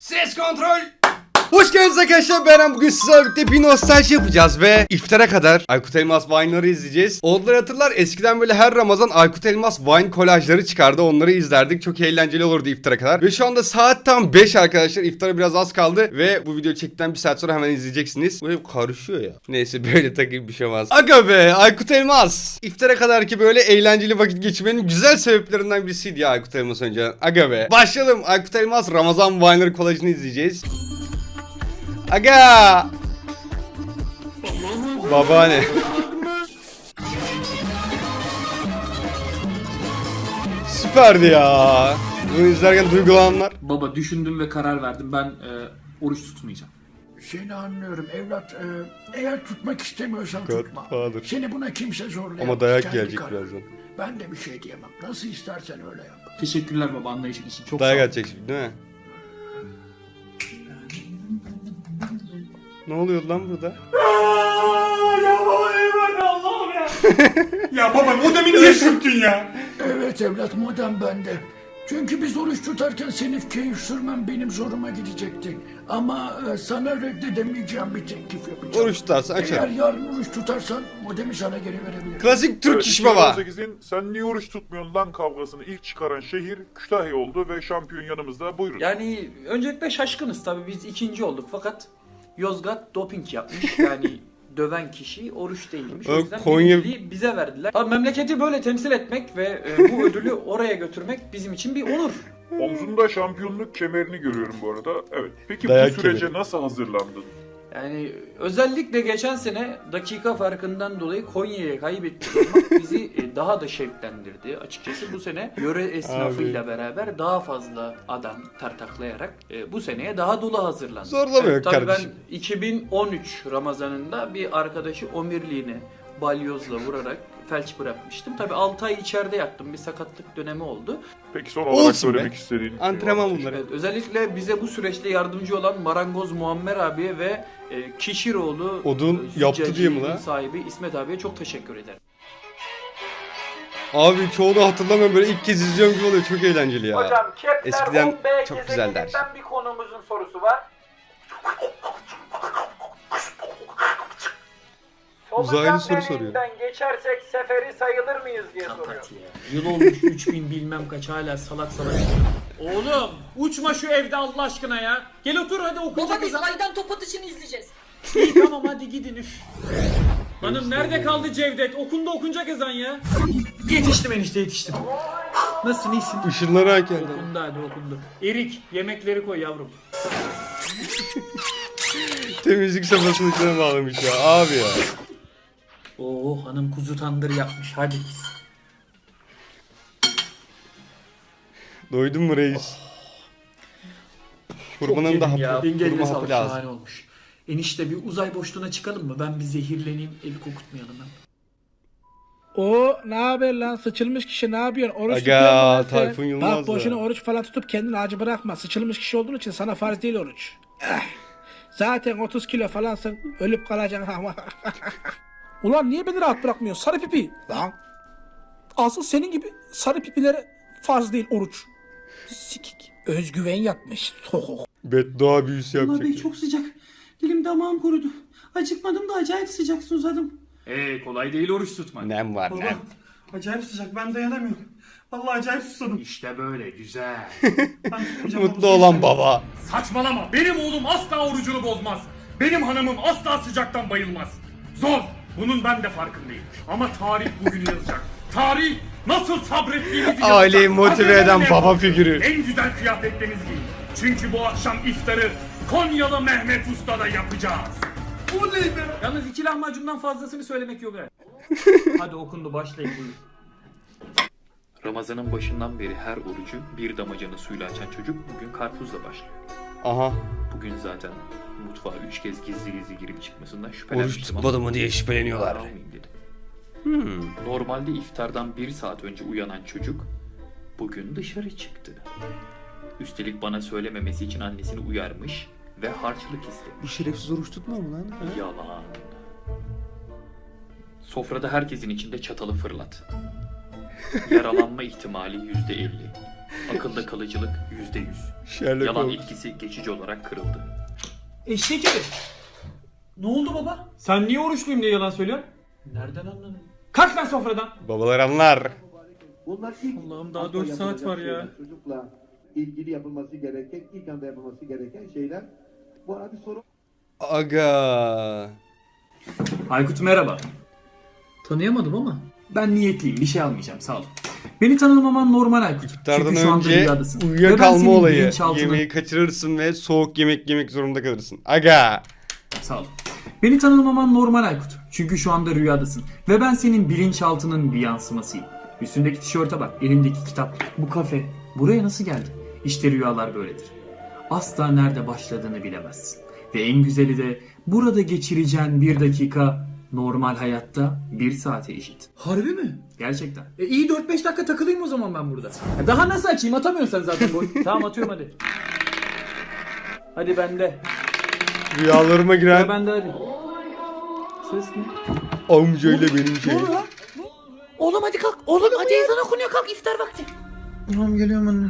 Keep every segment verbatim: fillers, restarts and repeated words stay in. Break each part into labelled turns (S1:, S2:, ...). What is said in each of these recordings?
S1: Ses kontrol. Hoş geldiniz arkadaşlar, ben bugün sizlerle birlikte bir nostalji yapacağız ve iftara kadar Aykut Elmas Vine'ları izleyeceğiz. Oğulları hatırlar, eskiden böyle her Ramazan Aykut Elmas Vine kolajları çıkardı, onları izlerdik, çok eğlenceli olurdu iftara kadar. Ve şu anda saat tam beş arkadaşlar, iftara biraz az kaldı ve bu video çektikten bir saat sonra hemen izleyeceksiniz. Bu hep karışıyor ya. Neyse, böyle takayım bir şey olmaz. Aga be Aykut Elmas, iftara kadar ki böyle eğlenceli vakit geçirmenin güzel sebeplerinden birisiydi ya Aykut Elmas önce. Aga be. Başlayalım, Aykut Elmas Ramazan Vine'ları kolajını izleyeceğiz. Aga! Babaanne. Süperdi ya. Bunu izlerken duygulananlar.
S2: Baba düşündüm ve karar verdim. Ben e, oruç tutmayacağım.
S3: Seni anlıyorum evlat. Ee, eğer tutmak istemiyorsan
S1: God
S3: tutma.
S1: Father.
S3: Seni buna kimse zorlayamaz.
S1: Ama dayak
S3: Kendi
S1: gelecek
S3: karar.
S1: birazdan.
S3: Ben de bir şey diyemem. Nasıl istersen öyle yap.
S2: Teşekkürler baba anlayışın için. Çok sağ
S1: Dayak
S2: ol.
S1: atacak şimdi değil mi? Ne oluyor lan burada?
S2: Ya baba eyvallah Allah'ım ya. Ya baba modemi niye sürttün ya?
S3: Evet evlat, modem bende. Çünkü biz oruç tutarken senin keyif sürmem benim zoruma gidecekti. Ama e, sana reddedemeyeceğim bir teklif yapacağım.
S1: Oruç tutarsan
S3: Eğer
S1: açarım.
S3: yarın oruç tutarsan modemi sana geri verebilirim.
S1: Klasik Türk
S4: Evet,
S1: iş baba.
S4: iki bin on sekizin sen niye oruç tutmuyorsun lan kavgasını ilk çıkaran şehir Kütahya oldu ve şampiyon yanımızda. Buyurun.
S2: Yani öncelikle şaşkınız tabii, biz ikinci olduk fakat Yozgat doping yapmış. Yani döven kişi oruç değilmiş. O
S1: Ö,
S2: yüzden
S1: Konya-
S2: birinciliği bize verdiler. Tabii memleketi böyle temsil etmek ve e, bu ödülü oraya götürmek bizim için bir onur.
S4: Omzunda şampiyonluk kemerini görüyorum bu arada. Evet. Peki
S1: Dayak
S4: bu sürece
S1: kemeri.
S4: nasıl hazırlandın?
S2: Yani özellikle geçen sene dakika farkından dolayı Konya'ya kaybettik olmak bizi e, daha da şevklendirdi. Açıkçası bu sene yöre esnafıyla beraber daha fazla adam tartaklayarak e, bu seneye daha dolu hazırlandık.
S1: Zorlama yok
S2: tabii
S1: kardeşim.
S2: ben iki bin on üç Ramazanında bir arkadaşı omirliğine balyozla vurarak felç bırakmıştım. Tabii altı ay içeride yattım. Bir sakatlık dönemi oldu.
S4: Peki son olarak
S1: Olsun
S4: söylemek
S1: be.
S4: istediğin bir şey
S1: Antrenman
S4: var mı?
S1: bunları.
S2: Evet, özellikle bize bu süreçte yardımcı olan Marangoz Muammer abiye ve e, Kişiroğlu
S1: Odun
S2: e,
S1: yaptı diye mi
S2: züccaciliğin
S1: lan?
S2: sahibi İsmet abiye çok teşekkür ederim.
S1: Abi çoğunu hatırlamıyorum, böyle ilk kez izliyorum gibi oluyor, çok eğlenceli ya.
S5: Hocam Kepler
S1: Eskiden
S5: on B
S1: çok güzeller.
S5: gezegeninden bir konumuzun sorusu var.
S1: Uzaylı soru
S5: Solucan
S1: soruyor.
S5: deliğinden geçersek seferi sayılır mıyız diye soruyor.
S2: Kapat ya. Yıl olmuş üç bin bilmem kaç hala salak salak. Oğlum uçma şu evde Allah aşkına ya. Gel otur hadi okuyacak
S6: Baba biz
S2: kızım.
S6: aydan top atışını izleyeceğiz.
S2: İyi tamam hadi gidin üf. Hanım nerede kaldı Cevdet? Okunda okunacak ezan ya. Yetiştim enişte yetiştim. Nasılsın iyisin?
S1: Işınları hak geldi.
S2: Okundu hadi okundu. Erik yemekleri koy yavrum.
S1: Temizlik safhasının içine bağlamış ya abi ya.
S2: Oo hanım kuzu tandır yapmış hadi.
S1: Doydun mu reis? Kurbanın da hapı,
S2: Engeline
S1: kurma hapı
S2: sağlık
S1: lazım.
S2: şahane olmuş. Enişte bir uzay boşluğuna çıkalım mı? Ben bir zehirleneyim evi kokutmayalım ben.
S7: O ne haber lan, sıçılmış kişi ne yapıyorsun? Oruç
S1: Aga,
S7: tutuyor musun lan sen?
S1: Tayfun Yılmaz
S7: Bak boşuna
S1: da.
S7: oruç falan tutup kendini acı bırakma. Sıçılmış kişi olduğun için sana farz değil oruç. Eh. Zaten otuz kilo falansın, ölüp kalacaksın ama. Ulan niye beni rahat bırakmıyorsun sarı pipi? Lan. Asıl senin gibi sarı pipilere farz değil oruç. Sikik. Özgüven yapmış. Soğuk.
S1: Beddua büyüsü
S8: Ama
S1: yapacak.
S8: bey
S1: ya.
S8: çok sıcak. Dilim damağım kurudu. Acıkmadım da acayip sıcak susadım.
S2: Eee kolay değil oruç tutmak.
S1: Nem var
S8: Baba
S1: nem.
S8: acayip sıcak, ben dayanamıyorum. Vallahi acayip susadım.
S2: İşte böyle güzel.
S8: Ben tutmayacağım
S1: Mutlu
S8: baba,
S1: olan
S8: sen-
S1: baba.
S9: Saçmalama. Benim oğlum asla orucunu bozmaz. Benim hanımım asla sıcaktan bayılmaz. Zor. Bunun ben de farkındayım. Ama tarih bugünü yazacak. Tarih nasıl sabrettiğinizi yazacak.
S1: Aileyi motive eden
S9: Hazırlanın
S1: baba
S9: efendim.
S1: figürü.
S9: En güzel kıyafetlerinizi giyin. Çünkü bu akşam iftarı Konyalı Mehmet Usta'da yapacağız.
S2: Yalnız iki lahmacundan fazlasını söylemek yok ha. Hadi okundu başlayın buyurun. Ramazanın başından beri her orucu bir damacana suyla açan çocuk bugün karpuzla başlıyor.
S1: Aha.
S2: Bugün zaten mutfağa üç kez gizli gizli girip çıkmasından
S1: Oruç
S2: şüphelenmiştim
S1: tutmadı mı diye şüpheleniyorlar.
S2: almayayım dedim. Hmm. Normalde iftardan bir saat önce uyanan çocuk bugün dışarı çıktı. Üstelik bana söylememesi için annesini uyarmış ve harçlık istemiş.
S1: Bu şerefsiz oruç tutmuyor mu lan?
S2: Yalan. Sofrada herkesin içinde çatalı fırlat. Yaralanma ihtimali yüzde elli. Akılda kalıcılık yüzde yüz.
S1: Sherlock
S2: Yalan
S1: Holmes.
S2: etkisi geçici olarak kırıldı.
S9: Eşek herif. Ne oldu baba? Sen niye oruçluyum diye yalan söylüyorsun?
S2: Nereden anladın?
S9: Kalk lan sofradan.
S1: Babalar anlar.
S6: Bunlar ilk
S9: Allah'ım daha
S6: anda
S9: dört saat
S6: yapılacak
S9: var ya.
S6: şeyler. Çocukla ilgili yapılması gereken, ilk anda yapılması gereken şeyler. Bu arada bir soru
S1: Aga.
S9: Aykut merhaba. Tanıyamadım ama. Ben niyetliyim, bir şey almayacağım, sağ ol. Beni tanımaman normal Aykut.
S1: İftardan
S9: Çünkü şu anda
S1: önce
S9: rüyadasın. Ve ben
S1: uyuyakalma
S9: senin
S1: olayı.
S9: bilinçaltına-
S1: Yemeği kaçırırsın ve soğuk yemek yemek zorunda kalırsın. Aga.
S9: Sağ ol. Beni tanımaman normal Aykut. Çünkü şu anda rüyadasın. Ve ben senin bilinçaltının bir yansımasıyım. Üstündeki tişörte bak, elindeki kitap, bu kafe. Buraya nasıl geldin? İşte rüyalar böyledir. Asla nerede başladığını bilemezsin. Ve en güzeli de burada geçireceğin bir dakika normal hayatta bir saate eşit. Harbi mi? Gerçekten. E iyi dört beş dakika takılayım o zaman ben burada. Ya daha nasıl açayım? Atamıyorsun sen zaten boy. Tamam atıyorum hadi. Hadi bende.
S1: Rüyalarıma
S9: Ya
S1: giren
S9: bende hadi. Ses ne?
S1: amcayla benim şey.
S8: Oğlum hadi kalk. Oğlum hadi ezan okunuyor kalk iftar vakti.
S9: Tamam geliyorum anne.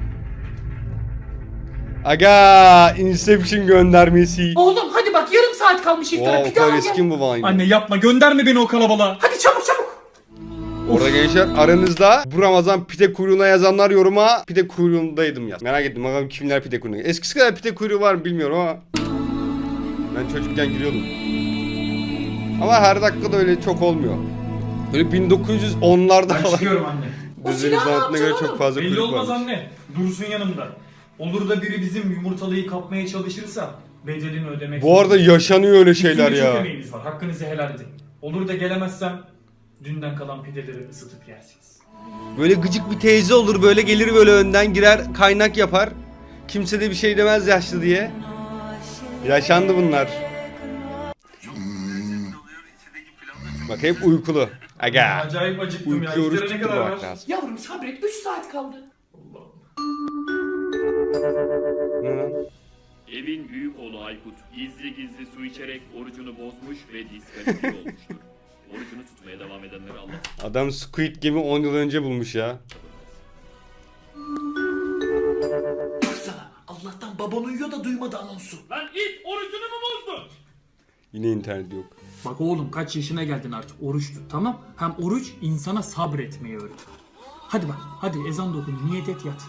S1: Aga. Inception göndermesi.
S8: Oğlum hadi bak yarım saat kalmış iftara.
S1: Wow, o
S8: Bir daha
S1: kadar
S8: gel.
S1: eski mi bu Vine?
S9: Anne yapma gönderme beni o kalabalığa.
S8: Hadi çabuk çabuk.
S1: Orada gençler aranızda bu Ramazan pide kuyruğuna yazanlar yoruma pide kuyruğundaydım yaz. Merak ettim bakalım kimler pide kuyruğunda. Eskisi kadar pide kuyruğu var mı bilmiyorum ama ben çocukken giriyordum. Ama her dakikada öyle çok olmuyor. Böyle bin dokuz yüz onlarda
S9: Ben
S1: falan.
S9: çıkıyorum anne.
S1: Düzeni sanatına göre çok fazla
S9: Belli
S1: kuyruk
S9: olmaz
S1: var.
S9: anne. Dursun yanımda. Olur da biri bizim yumurtalıyı kapmaya çalışırsa bedelini ödemek
S1: Bu arada yaşanıyor öyle şeyler
S9: Üstünde çok
S1: ya.
S9: emeğiniz var. Hakkınızı helal edin. Olur da gelemezsem dünden kalan pideleri ısıtıp yersiniz.
S1: Böyle gıcık bir teyze olur böyle gelir böyle önden girer kaynak yapar. Kimse de bir şey demez yaşlı diye. Yaşandı bunlar. Bak hep uykulu. Aga.
S9: Acayip acıktım ya.
S1: Uykuyoruz
S9: İftara ne kadar var?
S1: tutturmak lazım.
S8: Yavrum sabret üç saat kaldı.
S1: Hı.
S2: Evin büyük oğlu Aykut gizli gizli su içerek orucunu bozmuş ve diskalifiye olmuştur. Orucunu tutmaya devam edenleri Allah
S1: Adam Squid Game'i on yıl önce bulmuş ya.
S8: Baksana Allah'tan baban uyuyor da duymadı anonsu.
S9: Lan it orucunu mu bozdun?
S1: Yine internet yok.
S9: Bak oğlum kaç yaşına geldin artık oruç tut tamam. Hem oruç insana sabretmeyi öğretir. Hadi bak hadi ezan da okun niyet et yat.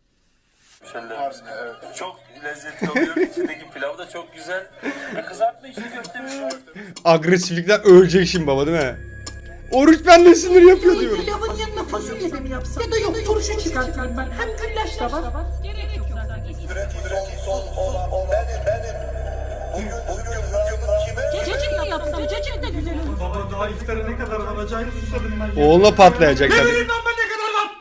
S10: Çok lezzetli oluyor. İçindeki pilav da çok güzel. Kızartma içli köfte mi?
S1: Agresiflikten ölecek şimdi baba değil mi? Oruç benle sinir yapıyor diyorum.
S8: Pilavın yanına fasulye de mi yapsam? Ya da yok turşu çıkartırım ben. Hem güllaç da var.
S10: Üretim son olan o benim benim. Bugün bugün rakımın kime?
S8: Cacık da yapsam cacık da güzel olur.
S9: Baba daha iftara ne kadar var acayip susadım ben.
S1: Oğluna patlayacak tabii.
S9: Benim lan ben ne kadar var?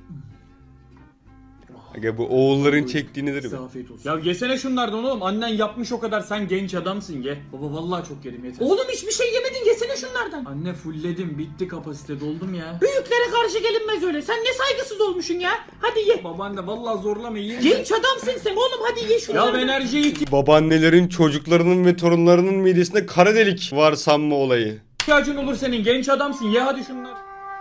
S1: Aga bu oğulların çektiği nedir be?
S9: Afiyet olsun. Ya yesene şunlardan oğlum. Annen yapmış o kadar. Sen genç adamsın ye. Baba vallahi çok yedim yeter.
S8: Oğlum hiçbir şey yemedin yesene şunlardan.
S9: Anne fullledim. Bitti kapasite. Doldum ya.
S8: Büyüklere karşı gelinmez öyle. Sen ne saygısız olmuşsun ya. Hadi ye.
S9: Babaanne vallahi zorlama yiyin.
S8: Genç adamsın sen oğlum hadi ye
S9: Ya
S8: şunlardan.
S9: enerjiye
S1: Babaannelerin çocuklarının ve torunlarının midesinde kara delik var sanma olayı.
S9: ihtiyacın olur senin. Genç adamsın. Ye hadi şunları.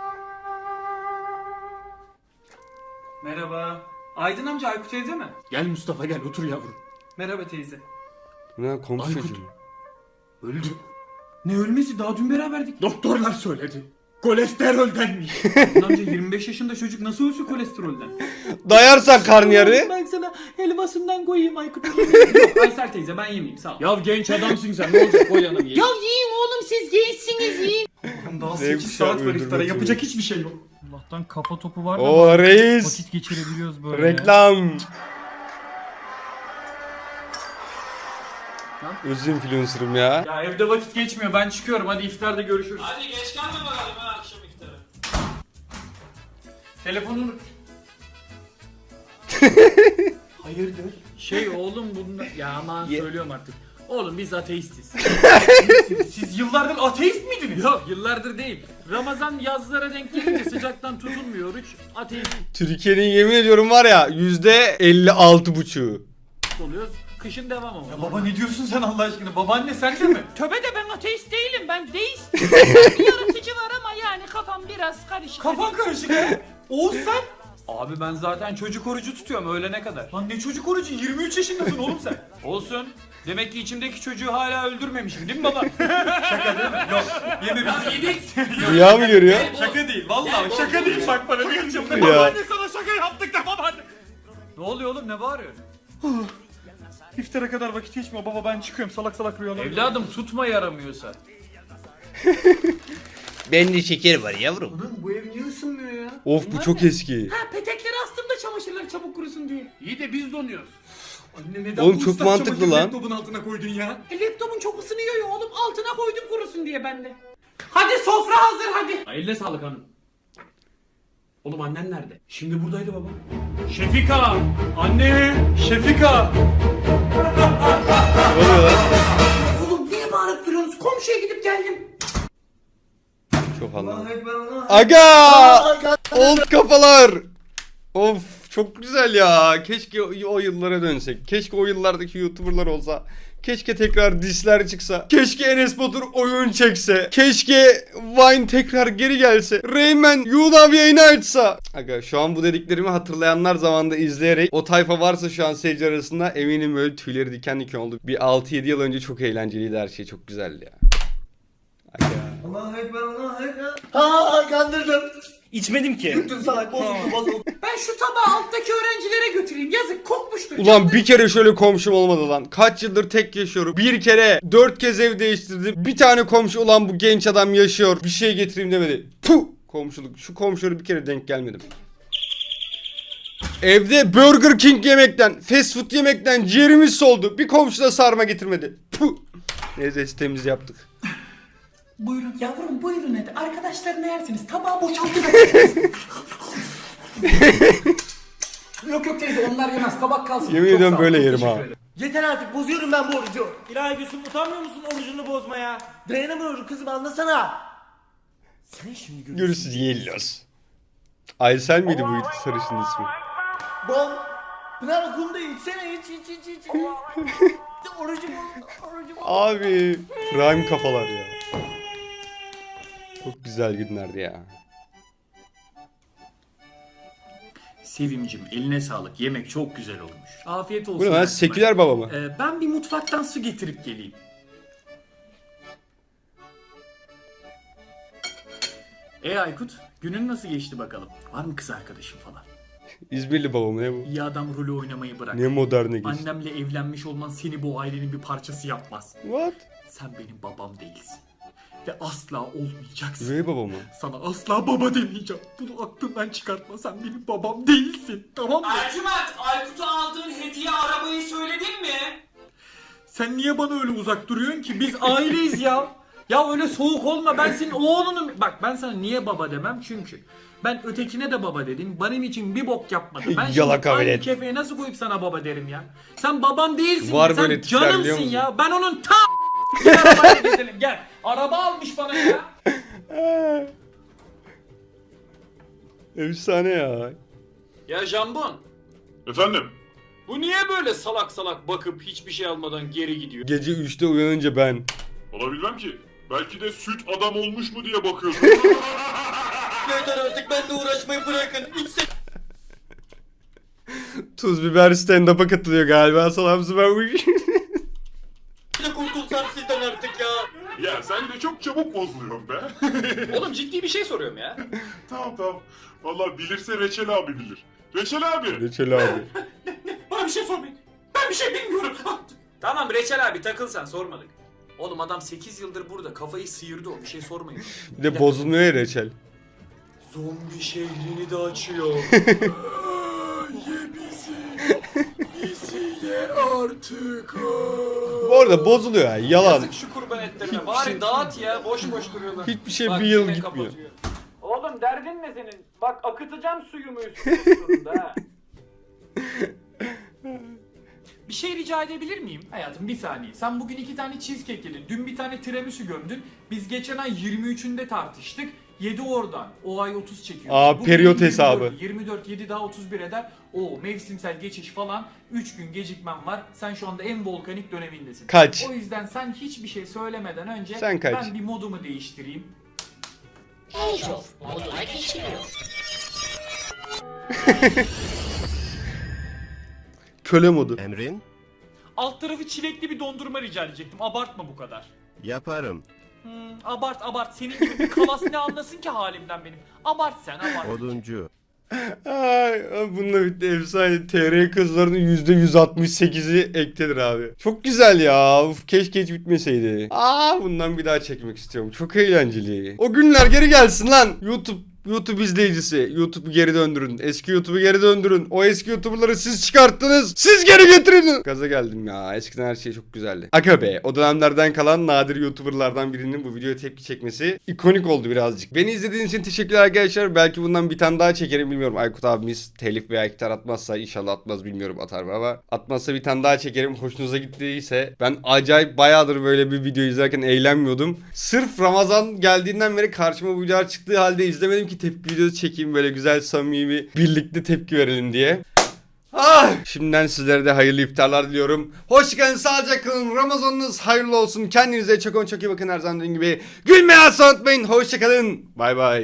S9: Merhaba. Aydın amca Aykut evde mi? Gel Mustafa gel otur yavrum. Merhaba teyze.
S1: Ne komşu
S9: Aykut.
S1: çocuğu.
S9: Öldü. Ne ölmesi daha dün beraberdik. Doktorlar söyledi. Kolesteroldenmiş. Amca yirmi beş yaşında çocuk nasıl ölsün kolesterolden?
S1: Dayarsan karnıyarı.
S8: Ben sana helvasından koyayım Aykut.
S9: Yok Aysel teyze ben yemeyeyim sağ ol. Ya genç adamsın sen ne olacak koy yanına ye.
S8: Ya yiyin oğlum siz gençsiniz yiyin.
S9: Daha
S1: Zevk
S9: sekiz
S1: kuşağı
S9: saat var iftara
S1: öldürmek
S9: yapacak hiçbir şey yok. Allah'tan kafa topu var da
S1: O reis.
S9: vakit geçirebiliyoruz böyle.
S1: Reklam. Özür influencer'ım ya.
S9: Ya evde vakit geçmiyor ben çıkıyorum hadi iftarda görüşürüz.
S8: Hadi geç kalma bakalım ha akşam iftara.
S9: Telefonunu...
S8: Hayırdır?
S9: Şey oğlum bunda... Ya aman
S1: Ye-
S9: söylüyorum artık. Oğlum biz ateistiz. siz, siz yıllardır ateist miydiniz? Yok yıllardır değil. Ramazan yazlara denk gelince sıcaktan tutulmuyor oruç. Ateist
S1: Türkiye'nin yemin ediyorum var ya yüzde elli altı buçuğu.
S9: oluyoruz. Kışın devam ama. Ya baba ne diyorsun sen Allah aşkına? Babaanne sen de mi?
S8: Töbe de ben ateist değilim ben deist. bir yaratıcı var ama yani kafam biraz karışık.
S9: Kafan karışık ya. Oğuz sen?
S2: Abi ben zaten çocuk orucu tutuyorum öğlene kadar. Lan ne çocuk orucu? yirmi üç yaşındasın oğlum sen. Olsun. Demek ki içimdeki çocuğu hala öldürmemişim değil mi baba? Şaka değil mi? Yok. Yememişsin. Yedik.
S1: Rüya mı görüyor?
S2: Şaka değil vallahi şaka değil. Bak bana bir açımda.
S1: Ya.
S2: Babaanne sana şaka yaptık da babaanne. Ne oluyor oğlum ne bağırıyorsun?
S9: İftara kadar vakit geçmiyor baba, ben çıkıyorum, salak salak rüyalar.
S2: Evladım tutma yaramıyorsa.
S1: Bende şeker var yavrum.
S2: Oğlum bu ev niye ısınmıyor ya?
S1: Of bu çok eski.
S8: Ha petekleri astım da çamaşırlar çabuk kurusun diye.
S2: İyi de biz donuyoruz.
S9: Anne neden
S1: Oğlum
S9: bu
S1: çok
S9: ıslak
S1: mantıklı
S9: çamaşırı
S1: lan.
S9: laptopun altına koydun ya?
S8: E, laptopun çok ısınıyor ya oğlum altına koydum kurusun diye ben de. Hadi sofra hazır hadi.
S2: Eline sağlık hanım.
S9: Oğlum annen nerede?
S2: Şimdi buradaydı baba. Şefika! Anne! Şefika!
S1: Ne oluyor lan?
S8: Oğlum niye bağırıp duruyorsunuz? Komşuya gidip geldim.
S1: Çok anlamadım. Aga! Old kafalar! Of çok güzel ya. Keşke o, o yıllara dönsek. Keşke o yıllardaki YouTuber'lar olsa. Keşke tekrar disler çıksa. Keşke Enes Batur oyun çekse. Keşke Vine tekrar geri gelse. Rayman YouLove yayını açsa. Aga şu an bu dediklerimi hatırlayanlar zamanında izleyerek o tayfa varsa şu an seyirci arasında eminim böyle tüyleri diken diken oldu. Bir altı yedi yıl önce çok eğlenceliydi her şey. Çok güzeldi ya. Aga.
S10: Allahu Ekber, Allahu Ekber. Ha kandırdım.
S9: İçmedim ki.
S10: Yuttun salak, bozuldu bozuldu.
S8: Ben şu tabağı alttaki öğrencilere götüreyim. Yazık kokmuştur.
S1: Ulan bir kere şöyle komşum olmadı lan. Kaç yıldır tek yaşıyorum. Bir kere dört kez ev değiştirdim. Bir tane komşu ulan bu genç adam yaşıyor. Bir şey getireyim demedi. Puh! Komşuluk. Şu komşulara bir kere denk gelmedim. Evde Burger King yemekten, fast food yemekten ciğerimiz soldu. Bir komşu da sarma getirmedi. Puh! Neyse temiz yaptık.
S8: Buyurun yavrum buyurun hadi. Arkadaşlarına yersiniz. Tabağı boşaltın. yok yok teyze onlar yemez. Tabak kalsın.
S1: Yemin
S8: Çok
S1: ediyorum
S8: sağ ol,
S1: böyle
S8: çok
S1: yerim
S8: teşekkür
S1: ha.
S8: ederim.
S10: Yeter artık, bozuyorum ben bu orucu.
S11: İlahi Gülsüm utanmıyor musun orucunu bozmaya?
S10: Dayanamıyorum kızım, anlasana. Sen şimdi görürsün.
S1: Görüşürüz Yellos. Aysel miydi bu sarışın ismi?
S10: Bom. Pınar okulunda içsene, iç iç iç iç. Orucu bozdu, orucu bozdu.
S1: Abi prime kafalar ya. Çok güzel günlerdi ya.
S2: Sevimcim eline sağlık. Yemek çok güzel olmuş. Afiyet olsun.
S1: Bu ne lan,
S2: Ertuğrul.
S1: seküler baba mı?
S2: Ee, ben bir mutfaktan su getirip geleyim. E Aykut, günün nasıl geçti bakalım? Var mı kız arkadaşın falan?
S1: İzmirli baba mı ne bu?
S2: İyi adam rolü oynamayı bırak.
S1: Ne moderne geçti.
S2: Annemle evlenmiş olman seni bu ailenin bir parçası yapmaz.
S1: What?
S2: Sen benim babam değilsin. Ve asla olmayacaksın.
S1: Üvey baba mı?
S2: Sana asla baba demeyeceğim. Bunu aklından çıkartma. Sen benim babam değilsin. Tamam mı?
S8: Ercüment Aykut'a aldığın hediye arabayı söyledin mi?
S2: Sen niye bana öyle uzak duruyorsun ki? Biz aileyiz ya. Ya öyle soğuk olma. Ben senin oğlunum. Bak ben sana niye baba demem? Çünkü ben ötekine de baba dedim. Benim için bir bok yapmadı. Ben
S1: Yalaka
S2: şimdi aynı
S1: velet.
S2: kefeye nasıl koyup sana baba derim ya? Sen babam değilsin.
S1: Var
S2: ya. Sen
S1: böyle tipler, biliyor
S2: canımsın
S1: musun?
S2: ya. Ben onun ta arabayla gezelim. Gel. Araba almış bana ya.
S1: Efsane ya.
S12: Ya Jambon,
S4: Efendim?
S12: bu niye böyle salak salak bakıp hiçbir şey almadan geri gidiyor?
S1: Gece üçte uyanınca ben.
S4: Olabilmem ki. Belki de süt adam olmuş mu diye bakıyorsun.
S11: Yeter artık benimle uğraşmayı bırakın. İçse
S1: Tuz biber stand-up'a katılıyor galiba. Salam süpermiş.
S11: de kurtulsam sizden artık ya.
S4: Ya sen de çok çabuk bozuluyorsun be.
S12: Oğlum ciddi bir şey soruyorum ya.
S4: Tamam tamam. Vallahi bilirse Reçel abi bilir. Reçel abi.
S1: Reçel abi.
S8: Bana bir şey sormayın. Ben bir şey bilmiyorum.
S12: Tamam Reçel abi takıl sen sormadık. Oğlum adam sekiz yıldır burada kafayı sıyırdı o bir şey sormayın.
S1: Bir de bozulmuyor ya reçel.
S12: Zombi şehrini de açıyor. Ye bizi. Bizi ye artık.
S1: Bu arada bozuluyor ya. Yalan.
S12: Yazık şu kurban etlerine. Bari dağıt ya boş boş duruyorlar.
S1: Hiçbir şey
S12: Bak,
S1: bir yıl
S12: yine
S1: gitmiyor.
S12: kapatıyor.
S5: Oğlum derdin ne senin? Bak akıtacağım suyumu üstüne sonunda ha.
S2: Bir şey rica edebilir miyim? Hayatım bir saniye. Sen bugün iki tane cheesecake yedin. Dün bir tane tiramisu gömdün. Biz geçen ay yirmi üçünde tartıştık. yedi oradan. O ay otuz çekiyor.
S1: Aa,
S2: Bugün
S1: periyot
S2: yirmi dört,
S1: hesabı.
S2: yirmi dört, yedi daha otuz bir eder. O mevsimsel geçiş falan. üç gün gecikmem var. Sen şu anda en volkanik dönemindesin.
S1: Kaç?
S2: O yüzden sen hiçbir şey söylemeden önce
S1: Sen kaç?
S2: ben bir modumu değiştireyim.
S1: Köle modu.
S13: Emrin?
S12: Alt tarafı çilekli bir dondurma rica edecektim. Abartma bu kadar.
S13: Yaparım.
S12: Hmm, abart abart. Senin gibi bir kalas ne anlasın ki halimden benim. Abart sen abart.
S13: Oduncu.
S1: Ay, bununla bitti. Efsane. T R kızlarının yüzde yüz altmış sekizi ektedir abi. Çok güzel ya. Uf, keşke hiç bitmeseydi. Aa, bundan bir daha çekmek istiyorum. Çok eğlenceli. O günler geri gelsin lan. YouTube YouTube izleyicisi. YouTube'u geri döndürün. Eski YouTube'u geri döndürün. O eski YouTuber'ları siz çıkarttınız. Siz geri getirin. Gaza geldim ya. Eskiden her şey çok güzeldi. Aga be. O dönemlerden kalan nadir YouTuber'lardan birinin bu videoya tepki çekmesi ikonik oldu birazcık. Beni izlediğiniz için teşekkürler arkadaşlar. Belki bundan bir tane daha çekerim bilmiyorum. Aykut abimiz telif veya gitar atmazsa, inşallah atmaz bilmiyorum, atar mı ama atmazsa bir tane daha çekerim. Hoşunuza gittiyse, ben acayip bayağıdır böyle bir video izlerken eğlenmiyordum. Sırf Ramazan geldiğinden beri karşıma bu videolar çıktığı halde izlemedim ki tepki videosu çekeyim, böyle güzel samimi birlikte tepki verelim diye. Ah! Şimdiden sizlere de hayırlı iftarlar diliyorum. Hoşçakalın, sağlıcakla kalın. Ramazanınız hayırlı olsun. Kendinize çok çok iyi bakın, her zaman dediğim gibi. Gülmeyi asla unutmayın. Hoşçakalın. Bay bay.